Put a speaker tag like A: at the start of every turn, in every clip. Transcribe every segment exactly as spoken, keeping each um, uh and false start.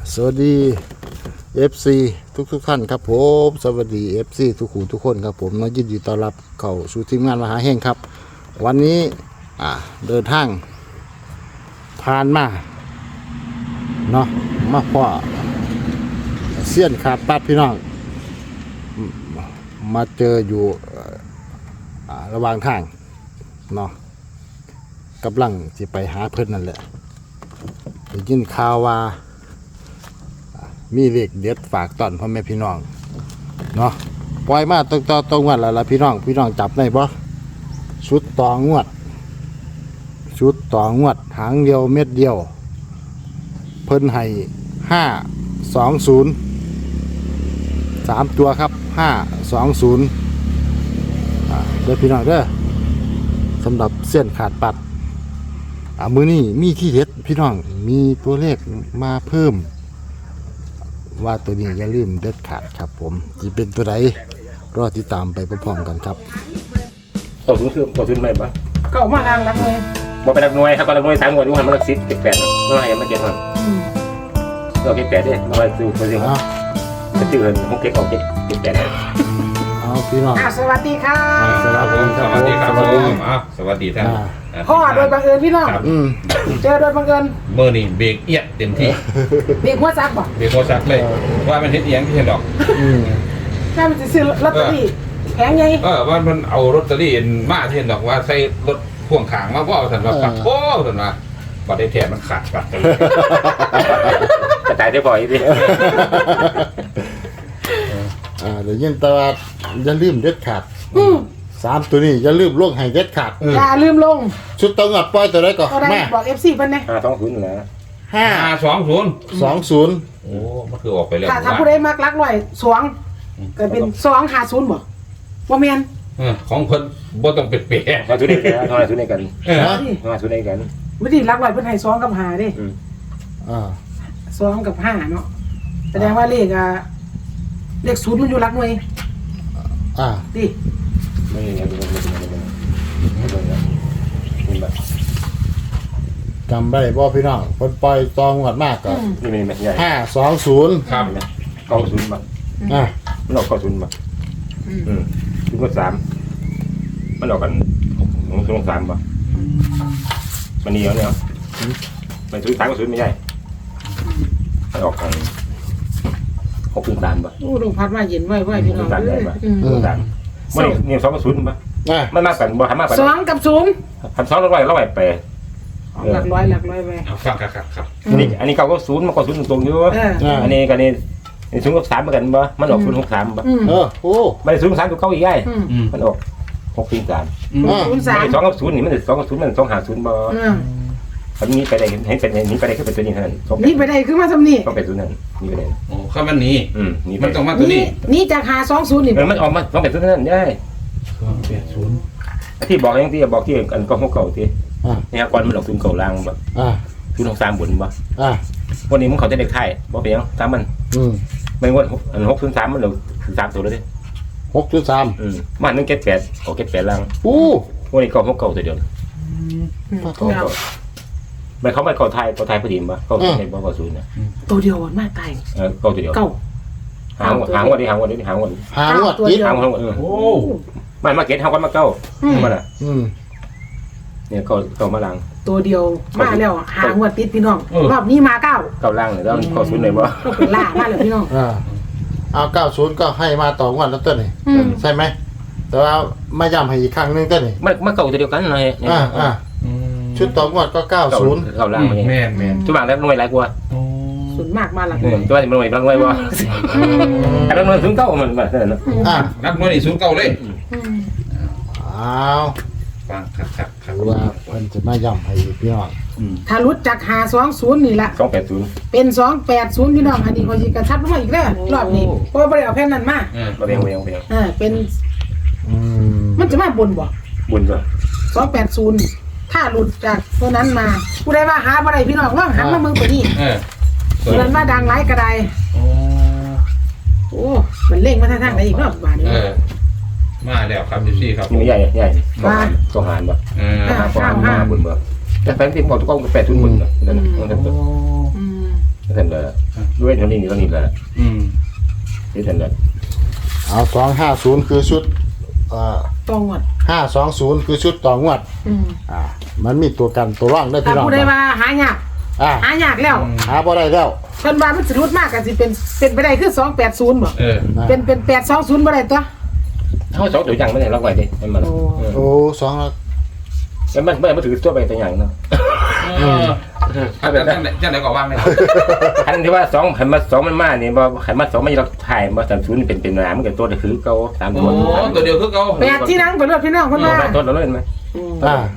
A: สวัสดี เอฟ ซี ทุกทุกท่านครับผมสวัสดี เอฟ ซี ทุกคนทุกคนครับผมน้องยินดีต้อนรับเข้าสู่ทีมงานมหาเฮงครับวันนี้อ่าเดินทางผ่านมาเนาะมาพ่อเสี้ยนขาดปัดพี่น้องมาเจออยู่อ่าระหว่างทางเนาะกำลังจะไปหาเพื่อนนั่นแหละได้ยินข่าวว่ามีเลขเด็ดฝากตอนพ่อแม่พี่น้องเนาะปล่อยมาตรงต่อตรงวันแล้วล่ะพี่น้องพี่น้องจับได้บ่ชุดต่องวดชุดต่องวดหางเดียวเม็ดเดียวเพิ่นให้ห้าสองศูนย์สามตัวครับห้าสองศูนย์เด้อพี่น้องเด้อสำหรับเส้นขาดปัดอ่ามือนี้มีที่เด็ดพี่น้องมีตัวเลขมาเพิ่มว่าตัวนี้อย่าลืมเด็ดขาดครับผมจะเป็นตัวใดรอติดตามไปพร้อมๆกันครับ
B: ต่อทุนคือต่อทุนไม่ปะ
C: ก็มาทางรักเลย
B: บอกไปรักหน่วยครับรักหน่วยสามหน่วยดูหันมารักสิบเก็บแปดเมื่อไหร่มาเก็บหันเราเก็บแปดเนี่ยมาซื้อมาซื้อจะซื้อเงินหกเก็บออกเก็บเก็บแปดเลย
A: เอาพี่น้อง
C: อ่ะสวัสดีค่ะ
A: สวัสดีครับ
D: สวัสดีครับ
A: สวัสดี
D: ผมอ้าวสวัสดีท่าน
C: พ่อโดยบังเอิญพี่น้อง
A: อืม
C: เจอโดยบังเอิญ
D: เมื่อนี่เบรกเอียดเต็มที่
C: เด็กหัวซักบอก
D: เบรกโคชักเลย ว่ามันเฮ็ดเอียงที่เห็นดอก
A: อืม
C: ถ้ามันจะซื้อลอตเตอรี่แพงไง
D: เออว่ามันเอารถตอรี่มาที่เห็นดอกว่าใส่รถพ่วงขางมาว่าสันว่าปัดโอ้สันว่าบัดได้แถมมันขาดปัดกันเลย
B: กระจายได้บ่อยดิ
A: อ่าเดี๋ยวยินตลาดอย่าลืมเด็ดขาด
C: อืม
A: สามตัวนี้อย่าลืมลงให้เด็ดขาด
C: อย่าลืมลง
A: ชุดต้องงัดปล่อยตัวใดก่อน
C: ก็ได้
A: แม่
C: บอกเอฟซีเพิ่นนะ
B: ห้าสองศูนย์นะ
A: ห้า
D: ห้าสองศูนย์
A: สองศูนย์
D: โอ้มันคือออกไปแล้ว
C: ถ้าถ้าผู้ใดมักรักหน่อยสวงก็เป็นสองห้าศูนย์บอกว่าเมียน
D: เออของเพิ่นบ่ต้องเป็ดเป๋
B: ห้าทุนได้กันห้าทุนได้กัน
D: เออ
A: ฮะ
B: ห้าทุนได้กัน
C: วิธีรักหน่อยเพิ่นให้สองกับห้าเด้
A: อ่า
C: สองกับห้าเนาะแสดงว่าเลขอ่ะเลขศูนย์มันอยู่รักหน่วย
A: อ่า
C: ดิ
B: ไม่ไม่ไม่ไม่ไม่ไม่ไม่แบบ
A: จำได้บ่พี่น้องคนปล่อยตองงัดมากก็
B: นี่ไม่ไม่ใหญ่
A: ห้าสองศูนย์
D: ครับ
B: เก้าศูนย์มา
A: อ่า
B: มันออกเก้าศูนย์มาอืมศูนย์ก็สามมันออกกันหกศูนย์สามป่ะมันนี่เนี่ยมันศูนย์สามก็ศูนย์ไม่ใช่มันออกกันหกศูนย์สามป่ะ
C: โอ้ลมพัดมาเย็นไว้ไว้พี่น้อง
B: ศูนย์สามได้ป่ะ
C: อืม
B: ศูนย์สามมันนี่สองก็ศูนย์ป่ะ
A: อ่า
B: มันมากกันบ่ทำมากกัน
C: สองกับศูนย์
B: ทำสองร้อยร้อยไป
C: หลักร้อยหลักร้อยไป
D: เอาฟังครับครับครับ
B: อันนี้อันนี้เก้าก็ศูนย์มันก็ศูนย์ตรงอยู่
C: เออ
A: อ่า
B: อันนี้กันนี่ศูนย์กับสามเหมือนกันป่ะมันออกศูนย์หกสามป่ะ
C: อืม
A: เออโอ้
B: ไม่ศูนย์กับสามตัวเก้าอีกไง
C: อืม
D: อืม
B: มันออกหกศูนย์สาม
D: อืม
A: อ่า
C: ศูนย์สาม
B: สองกับศูนย์นี่มันสองกับศูนย์มันสองหาศูนย์บ่
C: อืม
B: อันนี้ไปได้เห็นเป็นนี้ไปได้ก็เป็นตัวนี้เท่านั้นสอง
C: นี่ไปได้คือมาทำนี่
B: ต้องเป็นศูนย์นั้นนี่ไปได้
D: โอ้ข้ามันหนี้
B: อืมนี่ไป
D: มันต้องมาตัว
C: นี่
D: นี้
C: นี่จากหาสองศูนย์นี่
B: เออมันออกมาต้องเป็นศูนย์นั้นได้
D: สองแปดศูนย์
B: ที่บอกอย่างที่บอกที่อันก็หกเก่าที่
A: อ่า
B: นี่ฮะก่อนมันออกศูนย์เก่าล่างบ่
A: อ่า
B: ศูนย์หกสามบนบ่
A: อ่า
B: วันนี้มึงเขาจะเด็กไทยบ่เป็นยังตามมัน
A: อืม
B: ไม่งวดอันหกศูนย์สามมันออกสามตัวเลยดิ
A: หกจุดสาม
B: อืมมันนึงเก็ตแปดออกเก็ตแปดล่าง
A: อู้
B: วันนี้ก็หกเก่าตัวเดียว
A: ปะโถ
B: เก่าไม่เขาไม่เก่าไทยเก่าไทยพอดีบ่เก่าศูนย์ในบ่เก่าศูนย์นะ
C: ตัวเดียวมากตาย
B: เออเก่าตัวเดียว
C: เก้า
B: หางหางวันนี้หางวันนี้หางวัน
A: หางวดติด
B: หางวันเออ
D: โอ้
B: ไม่มาเก็ตหางวันมาเก้ามาละ
A: อืม
B: เนี่ยเก่าเก่ามาล่าง
C: ตัวเดียวมาแล้วหางวดติดพี่น้องรอบนี้มาเก้า
B: เก่าล่างเลยแล้วเก่าศูนย์เลยบ่
C: ก็เป็นล่ามาแล้วพี่น้อง
A: อ่าเอาเก้าศูนย์ก็ให้มาต่องวดแล้วตัวนี้
C: อืม
A: ใช่ไหมแต่ว่าไม่ย้ำให้อีกครั้งหนึงตัวนี้
B: มันมันเก่าตัวเดียวกันเลย
A: อ่าอ่า
D: อืม
A: ชุดต่องวดก็เก้าศูนย์
B: เก่าล่างมา
D: แม่นแม่น
B: ทุกบางแล้วหน่วยหลายกว่า
D: โอ้
C: ส่วนมากมาหลัก
B: ตัวนี้มันหน่วยบางหน่วยบ่แต่ละหน่วยถึงเก้ามันมันนั่นน่ะ
A: อ่า
D: นักมวยนี่ศูนย์เก้าเลย
A: อ้าว
D: ฟังครับครับครับ
A: ดูว่าเพิ่นจะมาย้ำให้อีกพี่น้อง
C: ถ้ารุดจากหาสองศูนย์นี่ละ
B: สองแปดศูนย์
C: เป็นสองแปดศูนย์พี่น้องอันนี้เขาจะกระชับลงมาอีกแล้วรอบนี้เพราะว่าไม่ได้เอาแผ่นนั้นมา
D: เออ
B: มาเรียงเรียงเรียง
C: อ่าเป็น
A: อืม
C: มันจะมาบนบ่
B: บุญจ้ะ
C: สองแปดศูนย์ถ้าหลุดจากตัวนั้นมาผู้ใดว่าหาบ่ได้พี่น้องลองหันมาเมืองตัวนี้
D: เออ
C: ตัวนั้นมาดังไร้กระได
D: โอ้
C: โอ้มันเล่งมาทางทางไหนอีกรอบบาดนี้
D: เออมาแล้วครับพี่ครับ
B: นี่ไม่ใหญ่ใหญ่สองหารสองหารบ่
D: เออ
B: หาสองหารมาบุญบ่แต่แฟนที่บอกทุกกล้องแปดศูนย์บุญน่ะนั่นนั่น
D: โอ้
C: อืม
B: นั่นเลยด้วยเท่านี้นี่เท่านี้แหละ
D: อืม
B: ที่เท่านั้น
A: เอาสองห้าศูนย์คือชุดเอ่อ
C: ตรงหมด
A: ห้าสองศูนย์คือชุดต่องวด
C: อืม
A: อ่ามันมีตัวกันตัวร่องได้
C: แต่
A: พี่น้อง
C: ผู้ใดว่าหายาก
A: อ่า
C: หายากแล้ว
A: หาบ่ได้แล้ว
C: เพิ่นว่ามันสิรุดมากกันสิเป็นเป็นไปได้คือสองแปดศูนย์บ่
D: เออ
C: เป็นเป็นแปดสองศูนย์บ่ได้ตัว
B: เขาสองตัวอย่างไม่ได้ล็อกไว้ดิให้มัน
C: โอ้
A: โอ้สองแล้ว
B: แล้วมันไม่มาถือตัวไปตัวอย่างเนาะ
D: เออเอาแบบจังไหนจังไหนก็วางเลย
B: อันที่ว่าสองขันมาสองมันมาเนี่ยบ่ขันมาสองมันเราถ่ายมาสามศูนย์เป็นเป็นน้ำมันกับตัวเดียวคือเก่าสาม
D: โอ้
B: ตัว
D: ตัวเดียวคือเขา
C: แปดที่นั่งไปรถพี่น้องเพิ่นว่า
B: ตัวเราเล่นไหม
A: อ่าน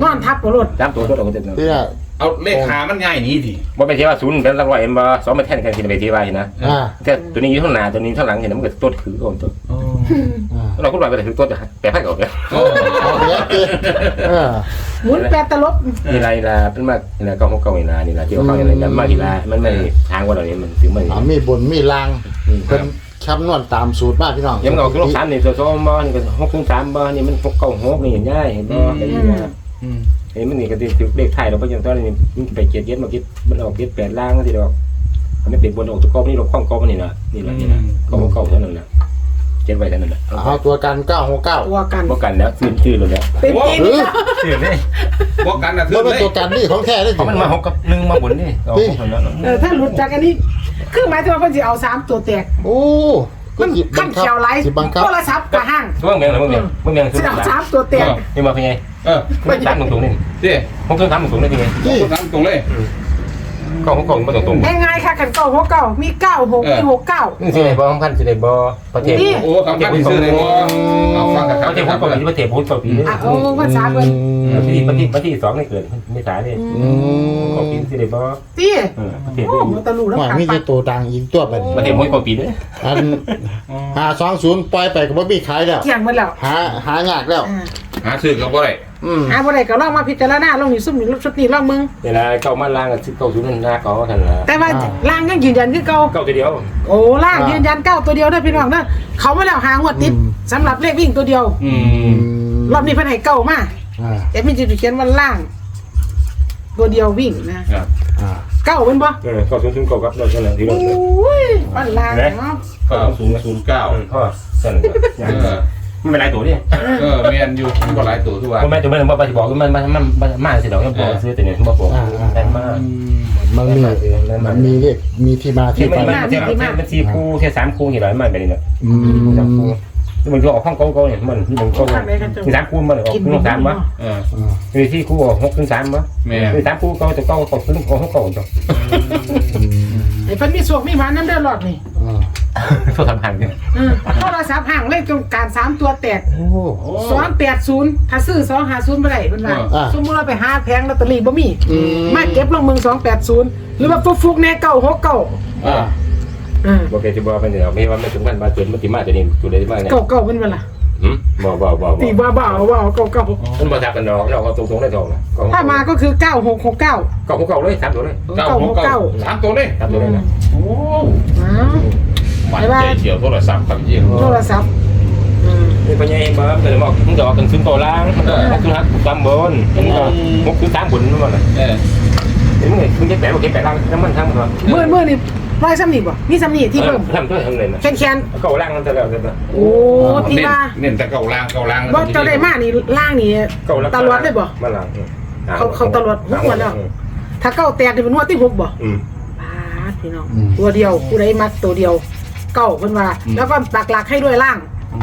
C: อนทับบ่รถ
B: สามตัวตัวเราเต็มเนาะ
A: ที่น่ะ
D: เอาเลขหามันง่ายนี้ดิ
B: บ่ไปเที่ยวศูนย์เป็นละร้อยเอ็มบ่สองมาแทนกันที่ไปเที่ยวเห็นนะ
A: อ่า
B: แต่ตัวนี้อยู่ข้างหน้าตัวนี้ข้างหลังเห็นมันก็ตัวคือก่อนตัว
A: อ่า
B: เราก็ว่าไปถือตัวแปลไพ่ก่อนเนี่ย
D: โอ้
A: เอาเดี๋ยวเดี๋ยวเออ
C: หมุนแปดตลบ
B: นี่ไรละเป็นมานี่ละเก้าหกเก้านี่ละนี่ละที่เขาอย่างไรกันมาทีละมันไม่ทางว่าเราเนี่ยมันถึงมัน
A: อ่ามีบนมีลางเพิ่นคำนวณตามสูตรมากพี่น้อง
B: ยังเอาคือลูกสามนี่โซโซบ่นี่ก็หกถึงสามบ่นี่มันหกเก้าหกนี่เห็นได้เห็นบ่ไอ้นี่นะ
D: อืม
B: ไอ้มันนี่ก็ติดเลขไทยเราไปยังตอนนี้มันไปเจ็ดเย็ดมาคิดมันออกเจ็ดแปดล่างสิดอกมันไม่ติดบนออกตัวก้อนี่เราคล้องก้อมันนี่นะนี่ละนี่ละก้อเก้าเท่านั้นแหละเจ็ดไว้เท่านั้นแหละ
A: เอาตัวกันเก้าหกเก้า
C: ตัวกัน
B: บ่กันแล้วซื้อชื่อเลยแล้ว
C: เป็นจริง
A: เออ
B: ชื่อเลย
D: บอกกันนะถื
A: บ่
D: อ
A: เป็น
D: เลย
A: ตัวกันนี่ของแท้ได้
B: เพราะมันมาหกกับหนึ่งมาบนนี่ออกเท่านั้น
C: เออถ้าหลุดจากอันนี้คือหมายถึงว่าเพิ่นสิเอาสามตัวแตก
A: โอ้
C: มันขั้นเขียวไหล
A: สิบังคับ
C: โทรศัพท์กับห้าง
B: ช่วงเมียงช่วงเมียงช่วงเมียง
C: สิ
B: ซื้อ
C: เอาสามตัวแตก
B: นี่มาเป็นไง
D: เออ
B: มันตามตรงๆนี่
D: ดิ
B: ผมต้องตามตรงๆนี่เป็นไง
A: ที่
D: ตรงนั้นตรงเลย
B: ก้อหกเก้ามาตรง
C: ง่ายๆค่ะขันเก้าหกเก้ามีเก้าหกมีหกเก้า
B: ๆนี่สิได้บ่สำคัญสิได้บ่ประเทศ
C: นี่
D: โอ้คำพันซื้อเลยว่าเอาฟังกับ
B: ประเทศ
D: คำ
B: พุท
D: พั
B: ธ
D: น
B: ประเทศพุทธต่อปีนี่
C: อ่ะโอ้ภาษาเพิ่น
B: ประเทศประเทศประเทศสองนี่เกิดไม่สายนี่
A: อืม
B: ของปีสิได้บ่
C: ตี
B: เออประเทศ
C: โอ้มันตะลุแล้ว
A: ว่า
C: ขา
A: มี
C: ปั
A: แต่
C: ด
A: ตัวดังอีกตัวไปนี่
B: ประเทศมวยของปีเด้อ
A: อันห้าสองศูนย์ปล่อยไปก็บ่มีขายแล้ว
C: เที่ยงหมดแล้ว
A: หาหายากแล้ว
C: อ่า
D: หาซื้อกับบ่ได้
A: อืม
C: อ่าบ่ได้ก็ลองมาพิจารณาลองนี่ซุ่มนี่ชุดนี้ลองมึง
B: เวลาเก้ามาล่างกับสิบเก้าศูนย์นั่นหน้าเก้าท่านละ
C: แต่ว่าล่างยังยืนยันคือเก่า
B: เก้าตัวเดียว
C: โอ้ล่างยืนยันเก้าตัวเดียวเด้อพี่น้องเด้อเขามาแล้วหางวดติดสำหรับเลขวิ่งตัวเดียว
D: อื
A: อื
D: ม
A: ม
C: รอบนี้เพิ่นให้เก้ามา
A: อ่า
C: แต่มีจิตเขียนว่าล่าง ตัวเดียววิ่งนะครับ
A: อ่า
C: เก้าเป็นบ่
B: เออเก้าศูนย์ศูนย์เก้าครับเราเท่านั้นที่
C: โอ
B: เรา
C: ้ยปันล่างเนาะ
D: เก้าศูนย์ศูนย์เก้า
B: พ่อเท่านั้นอย่าง
D: เออ
B: มันเป็นหลายตัวนี่
D: เออแมนอยู่มันก็หลายตัวทุกวัน
B: ก็แม่ตัวแม่บอกไปบอกมันมันมันมันมาสิดอกยังบอกซื้อแต่เนี่ยบอกบอกแต่มา
A: มันมีมันมีเลขมีที่มา
B: ที่
A: ที่
B: มั
A: ไป
B: นมันมันสี่คู่แค่สามคู่กี่ร้อยมันเป็นนี่แหละ
A: อืม
B: สามคู่ที่มันก็ออกห้องเก้าเก้าเนี่ยมันที่มันก็มีสามคู่มันออกคู่สามวะ
D: เออ
A: อ่า
B: มีที่คู่หกถึงสามวะ
D: แม่
B: มีสามคู่เก้าจะเก้าเก้าถึงหกเก้าจ้ะ
A: อืม
C: ไอ้เพิ่นมีสวกมีหมาน้ำเด้อรอดนี่
A: อ่า
B: โทษทำห่างเนี่ย
C: เออโทรศัพท์ห่างเลขตรงการสามตัวแตก
A: โอ้
C: สองแปดศูนย์ถ้าซื้อสองห้าศูนย์บ่ได้เพิ่นว่า
A: อ่า
C: สมมุติเราไปหาแผงลอตเตอรี่บ่มี
A: อืม
C: มาเก็บลงเมืองสองแปดศูนย์หรือว่าฟุกๆแน่เก้าหกเก้า
A: อ่า
C: อ่า
B: บอกแกจะบอกเป็นเดี๋ยวไม่ว่าไม่ถึงพันบาทจนมันติมาตัวนี้ตัวใดมากเนี่ย
C: เก้าเก้าเป็นเวลา
B: หืมบอกบอกบอกบ
C: ตี
B: อก
C: บ้าบ้าเอาว่าเอาเก้าเก้า
B: มันมาทับกันดอกเราก็ตรงตรงได้ทองนะ
C: ถ้ามาก็คือเก้าหกหกเก้า
B: เก้าเก้าเลยสามตัวเลย
D: เก้าหกเก้าสามตัวเลย
B: สามตัวเลยนะ
D: โอ้
C: อ้าว
D: มันใจเฉียวโทรศัพท์ครับยี่
C: โทรศัพท์อืม
B: นี่ปัญญาเองมาแต่บอกมึงดอกกันขึ้นตัวล่างมันก็หกขึ้นหักตามบนมันก็หกขึ้นสามบนนั่นแหละ
D: เออ
B: เห็นมึงมึงจะแปะบอกแกแปะล่างน้ำมันทั้งหมด
C: เมื่อเมื่อนี่ร้อยซ้ำนี่บ่มีซ้ำนี่ที่เพิ่ม
B: ทำด้วยทำเลยนะ
C: แคนแคน
B: เก้าล่างนั่นแต่แล้วแต่
C: โอ้ที่
D: เน้น
C: ว่า
D: เน้นแต่เก้าล่างเก้าล่าง
C: บ่เจ้าได้มานี่ล่างนี่
B: เก้าล่าง
C: ตลอดเลยบ่
B: มาล่าง
C: เขาเขาตลอดหกวันแล้ว ถ้าเก้าแตกนี่เป็นงวดที่หกบ่
B: อืม
C: ปาดพี่น้องตัวเดียวผู้ใดมักตัวเดียวเก้าเพิ่นว่า แล้วก็ปักหลักให้ด้วยล่าง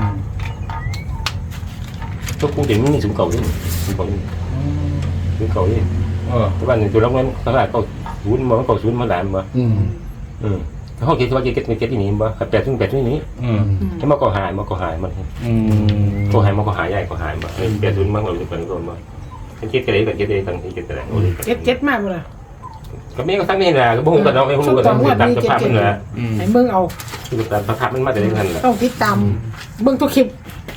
B: ตัวกูเห็นนี่สูงเก่านี่สูงเก่านี่สูงเก่านี่
D: เออ
B: ทุกวันนี้ตัวล็อกนั้นขนาดเก่าศูนย์มาเก่าศูนย์มาหลายมา
A: อืม
B: อืมเขาคิดว่าจะเก็ตไม่เก็ตที่นี่บ่ขับแปดซึ่งแปดที่นี่
D: อืม
B: ให้มาก็หายมาก็หายมัน
D: อืม
B: ก็หายมาก็หายใหญ่ก็หายมาแปดศูนย์มาเราจะเป็นคนมาเก็ตกันเลยกันเก็ตเลยกันเก็ตกันเลย
C: เจ็ดเจ็ดมากบ่ล่ะ
B: ก็ไม่ก็ทั้งนี้นะก็บ่ฮู้กันเนาะไอ้ฮู้กันตามสภาพมันนะ
D: อืม
C: ให้เบิ่งเอา
B: คือตามสภาพมันมาแต่ในนั้นแหละ
C: ต้องติดตามเบิ่งทุกคลิป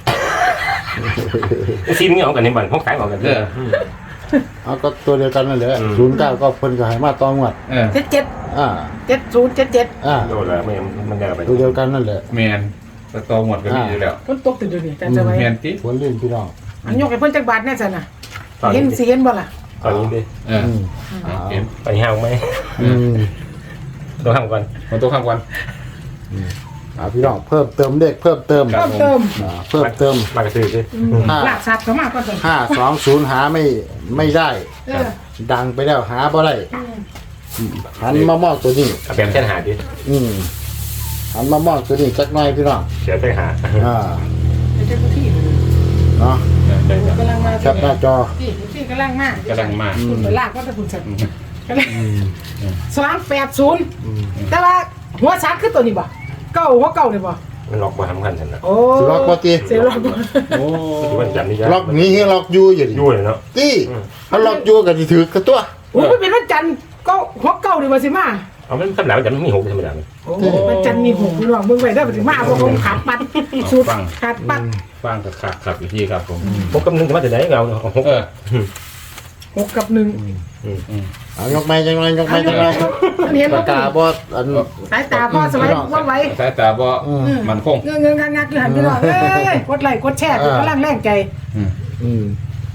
B: ซีนนี่เอากันในบ้านห้องขายเอากัน
D: เออ
A: เอาก็ตัวเดียวกันนั่นแหละ
B: อืม
A: ศูนย์เก้าก็เพิ่นก็ให้มาตองวัด
D: เออ
C: เจ็ดเจ็ด
A: อ่า
C: เจ็ดศูนย์เจ็ดเจ็ด
A: อ่า
B: โดนแล้วไม่มันได้ไป
A: ตัวเดียวกันนั่นแหละ
D: แมนสตอหมดก็มีอยู่แล้ว
C: เพิ่นตกติดอยู่นี่แต่จะไว้
D: แมนติ
A: ผลลื่นพี่น้อง
C: อันยกให้เพิ่นจักบาทแน่ซั่นน่ะ
B: ตอน
C: เห็น
B: นี้
C: สิเห็นบ่ล่ะ
B: ตอนนี้ดิ
D: เออ
A: อืม
D: เห็น
B: ไปห้างไหม
A: อืม
B: ต้องทำก่อน
D: มันตัวข้ามกัน
A: อ่าพี่น้องเพิ่มเติมเด็กเพิ่มเติม
C: เพิ่มเติม
A: อ่าเพิ่มเติม
B: มากระซื้อสิ
A: ห้า
C: หลักทรัพย์ก็มากกว่าเดิม
A: ห้าสองศูนย์หาไม่ไม่ได้
C: เออ
A: ดังไปแล้วหาบ่ได้หันมามองตัวนี้
B: เอาแบบเส้นหาดิ
A: อืมหันมามองตัวนี้จักหน่อยพี่น้อง
B: เสียเส้นหา
A: อ่า
C: ไปเจ้าที่
A: เนาะ
B: ได้จ้ะ
C: กำลังมา
A: แคปหน้าจอ
C: ที่ที่กำลังมาก
D: กำลังมา
C: คุณไปลากก็จะคุณสัตว์กำลังสองแปดศูนย์แต่ว่าหัวช้างคือตัวนี้บ่เก้าหัวเก้าเลยบ่
B: มันล็อกมาทำกันฉันนะ
C: โอ้
A: สิล็อกบ่ติ
C: เสียล็อกบ่
D: โอ้
B: ถือว่าจำนี่ยาก
A: ล็อกนี้ให้ล็อกอยู่อยู่ดิ
B: ยู่เลยเนาะ
A: ตี้ถ้าล็อกอยู่ก็สิถือกระตัว
C: โอ้ยเป็นวันจันทร์ก็หัวเก้าเลยบ่สิมา
B: เอามันคำหนามันจำไม่มีหกธรรมดา
C: โอ้วันจันทร์มีหกพี่น้องเบิ่งไว้ได้บ่สิมาบ่คงขาดปัดสุดขาดปัด
D: ฟังกับขับขับอีกทีครับผม
B: พกกำนึงมาแต่ไหนเราหก
D: เออ
C: หกกับหนึ่ง
A: เอายกไม้จังไงยกไม้จังไง
C: อันนี้
A: ปากกาบ่อัน
C: สายตาพ่อสมัยว่าไว้
D: สายตาบ่มันคง
C: เงื้อเงื้องักงักอยู่หันพี่น้องเอ้ยกดไลค์กดแชร์กำลังแรงใจ
A: อืม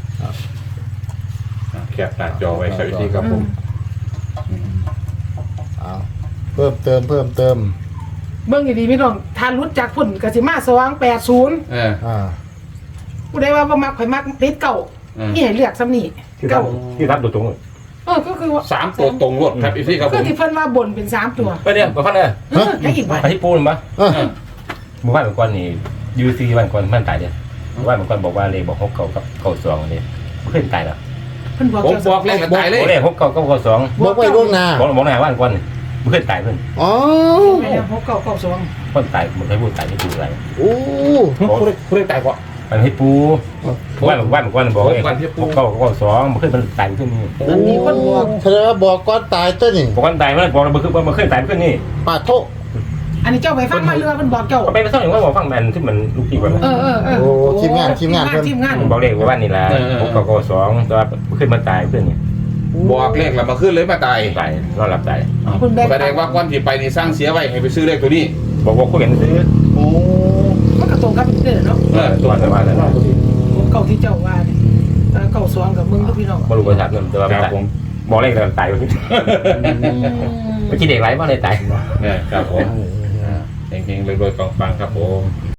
D: แคปหน้าจอไว้ครับอีกทีครับผม
A: เอาเพิ่มเติมเพิ่มเติม
C: เบิ่งดีๆพี่น้องทานรุ้จากพุ่นกสิมาสองแปดศูนย์
D: เออ
A: อ่า
C: ผู้ใดว่าบ่มักข่อยมักติดเก่า
D: อืม
C: นี่ให้เลือกซ้ำนี่
B: ที่ทั
C: เก่า
B: บที่ทับตัวตรง
C: เออก็คือว่า
D: สามตัวตรงรถครับอีกทีครับผ
C: คือ
D: ม
C: ที่เพิ่นว่าบนเป็นสามตัว
B: ไปเนี่ยมาฟังเลย
C: เออให้อีกบ่
B: ไปที่ปูนปะ
A: เออ
B: หมู่บ้านบางคนนี่ยูซีบางคนมันตายเนี่ยหมู่บ้านบางคนบอกว่าเลยบอกหกเก่ากับเก่าสองเนี่ยขึ้นตายแล้ว
C: เพิ่นบอก
D: ผม
C: เจ้า
D: บอกเลขกระตายเลย
B: โอ้เลยหกเก่ากับเก่าสอง
A: บอกไว้ล่วงหน้า
B: บอกบอกหน้าบ้านคนมันขึ้นตายเพิ่น
A: อ๋อ
C: ไปแล้วหกเก้าเก้าสอง
B: คนตายมันให้พูดตายที่ปูอะไร
A: โอ้
D: ผู้ได้ผู้ได้ตายก่อน
B: มันให้ปูบ้านบางบ้านบางคนบอกเลยหกเก่ากับเก่าสองมันขึ้นมันตายขึ้นนี่
C: มันมีคนบอก
A: แสดงว่าบอกก่อนตายตัวนี่
B: บอกคนตายมันบอกมันขึ้นมันขึ้นตายขึ้นนี่
A: ปาดโทษ
C: อันนี้เจ้าไปฟังมาเรือเพิ่นบอกเจ้า
B: ก็ไปไปซ่อนอย่างว่าบอกฟังแมนที่มันลูกพี่ก่อน
C: เออเออเออ
A: โอ้ทีมงานทีมงานเพิ่น
C: ทีมงาน
B: บอกเลขว่าบ้านนี่แหละหกเก่าเก่าสองแต่ว่าขึ้นมันตายขึ้นนี่
D: บอกเลขแล้วมาขึ้นเลยมาตาย
B: ตายรอดหลับตาย
C: เพิ่นแบ่ง
D: แสดงว่าก่อนที่ไปนี่สร้างเสียไว้ให้ไปซื้อเลขตัวนี้
B: บอกว่าคุยกันซื้อ
A: โอ้
C: มันก็ตรงกับเด้อเนาะ
B: เออตัวแต่ว่าแต่ว่า
C: หกเก้าที่เจ้าว่านี่เออเก้าสองกับมึงกับพี่น้อง
B: บรู้ภาษาเงินแต่ว่า
D: ครับผม
B: บอกเลขแล้วตายไปไม่คิดเด็กไรบ้างเลยตาย
D: เนี่ยครับผมเฮงๆรวยๆปังๆครับผม